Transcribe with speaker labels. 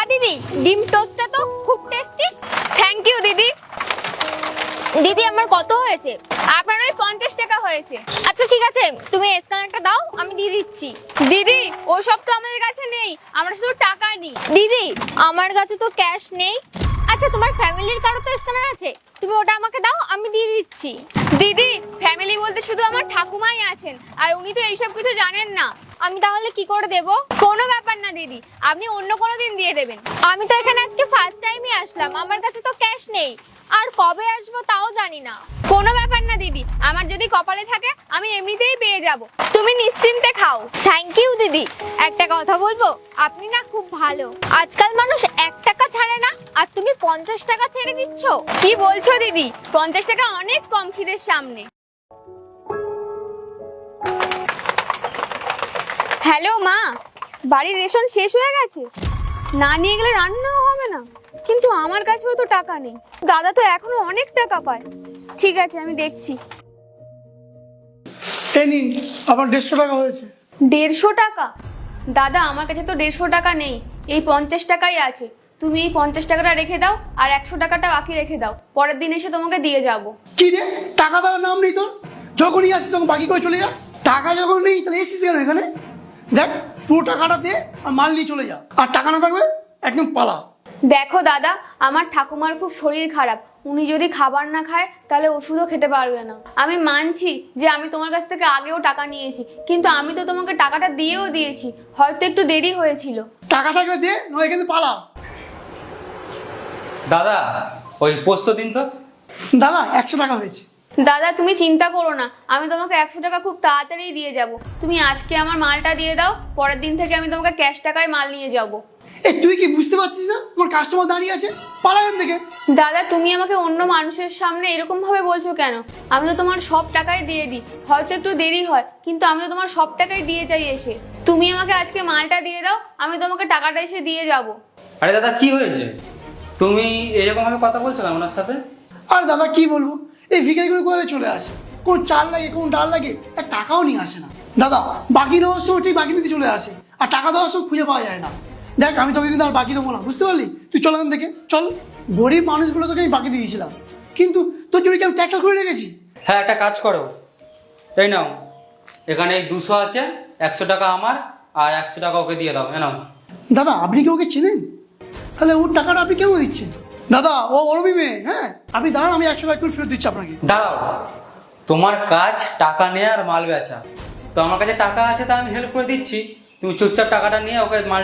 Speaker 1: দিদি, ডিম টোস্টটা তো খুব টেস্টি। থ্যাংক ইউ দিদি। দিদি আমার কত হয়েছে? আপনার ওই 50 টাকা হয়েছে। আচ্ছা ঠিক আছে, তুমি স্ক্যানারটা দাও, আমি দিয়ে দিচ্ছি। দিদি ওসব তো আমাদের কাছে নেই, আমরা শুধু টাকা নিই। দিদি আমার কাছে তো ক্যাশ নেই। আচ্ছা তোমার ফ্যামিলির কারো তো স্ক্যানার আছে, তুমি ওটা আমাকে দাও, আমি দিয়ে দিচ্ছি। দিদি ফ্যামিলি বলতে শুধু আমার ঠাকুমাই আছেন, আর উনি তো এইসব কিছু জানেন না। আমি তাহলে কি করে দেব? কোনো ব্যাপার না দিদি, আপনি অন্য কোনো দিন দিয়ে দেবেন। আমি তো এখানে আজকে ফার্স্ট টাইমই আসলাম, আমার কাছে তো ক্যাশ নেই, আর কবে আসবো তাও জানি না। কোনো ব্যাপার না দিদি, আমার যদি কপালে থাকে আমি এমনিতেই পেয়ে যাব, তুমি নিশ্চিন্তে খাও। থ্যাংক ইউ দিদি। একটা কথা বলবো, আপনি না খুব ভালো। আজকাল মানুষ 1 টাকা ছাড়ে না, আর তুমি 50 টাকা ছেড়ে দিচ্ছ। কি বলছো দিদি? 50 টাকা অনেক কম খিদের সামনে। হ্যালো মা, বাড়ির রেশন শেষ হয়ে গেছে, না নিয়ে গেলে রান্নাও হবে না। কিন্তু আমার কাছেও তো টাকা নেই, দাদা তো এখনো অনেক টাকা পায়। ঠিক আছে আমি দেখছি।
Speaker 2: এই নিন, আবার 150 টাকা হয়েছে।
Speaker 1: 150 টাকা? দাদা আমার কাছে তো 150 টাকা নেই, এই 50 টাকাই আছে। তুমি এই 50 টাকাটা রেখে দাও, আর 100 টাকাটা বাকি রেখে দাও, পরের দিন এসে তোমাকে দিয়ে যাব।
Speaker 2: কি রে, টাকা দেওয়ার নাম নেই তোর? যখনই আসিস তখন বাকি করে চলে যাস। টাকা যখন নেই তাহলে এসিস কেন এখানে? দেখ, পুরো টাকাটা দে আর মাল নিয়ে চলে যা, আর টাকা না থাকলে একদম পালা।
Speaker 1: দেখো দাদা, আমার ঠাকুমার খুব শরীর খারাপ, উনি যদি খাবার না খায় তাহলে ওষুধও খেতে পারবে না। আমি মানছি যে আমি তোমার কাছ থেকে আগেও টাকা নিয়েছি, কিন্তু আমি তো তোমাকে টাকাটা দিয়েও দিয়েছি, হয়তো একটু দেরি হয়েছিল।
Speaker 2: টাকা থাকলে দে, নয় এখানে পালা।
Speaker 3: দাদা ওই পোস্ত দিন তো।
Speaker 2: দাদা 100 টাকা হয়েছে।
Speaker 1: দাদা তুমি চিন্তা করো না, আমি তোমাকে 100 টাকা খুব তাড়াতাড়ি দিয়ে যাব। তুমি আজকে আমার মালটা দিয়ে দাও, পরের দিন থেকে আমি তোমাকে ক্যাশ টাকায় মাল নিয়ে যাব।
Speaker 2: এ তুই কি বুঝতে পারছিস না তোমার কাস্টমার দাঁড়িয়ে আছে? পালা এখান থেকে।
Speaker 1: দাদা তুমি আমাকে অন্য মানুষের সামনে এরকম ভাবে বলছো কেন? আমি তো তোমার সব টাকাই দিয়ে দিই, হয়তো একটু দেরি হয়, কিন্তু আমি তো তোমার সব টাকাই দিয়ে যাই এসে। তুমি আমাকে আজকে মালটা দিয়ে দাও, আমি তোমাকে টাকাটা এসে দিয়ে যাব।
Speaker 3: আরে দাদা কি হয়েছে, তুমি এরকম ভাবে কথা বলছো কেন ওনার সাথে?
Speaker 2: আর দাদা কি বলবো, এই ভিখারিগুলো কোথায় চলে আসে, কোন চাল লাগে কোন ডাল লাগে, এক টাকাও নিয়ে আসে না। দাদা বাকি নেওয়ার সময় ঠিক বাকি নিতে চলে আসে, আর টাকা দেওয়ার সময় খুঁজে পাওয়া যায় না। দেখ আমি তোকে কিন্তু আর বাকি দেবো না, বুঝতে পারলি? তুই চল এখান থেকে চল। গরিব মানুষগুলো তোকে আমি বাকি দিয়েছিলাম, কিন্তু তোর জন্য কি আমি ট্যাক্স করে রেখেছি?
Speaker 3: হ্যাঁ একটা কাজ করো, এই নাও, এখানে এই 200 আছে, 100 টাকা আমার আর 100 টাকা ওকে দিয়ে দাও। নাও।
Speaker 2: দাদা আপনি কি ওকে চেনেন? তাহলে ওর টাকাটা আপনি কেন দিচ্ছেন? দাদা ও অরবি মেয়ে, হ্যাঁ আপনি দাঁড়ান, আমি 100 টাকা করে ফেরত দিচ্ছি আপনাকে।
Speaker 3: দাঁড়াও, তোমার কাজ টাকা নেওয়া আর মাল বেচা, তো আমার কাছে টাকা আছে তা আমি হেল্প করে দিচ্ছি, তুমি চুপচাপ টাকাটা নিয়ে ওকে মাল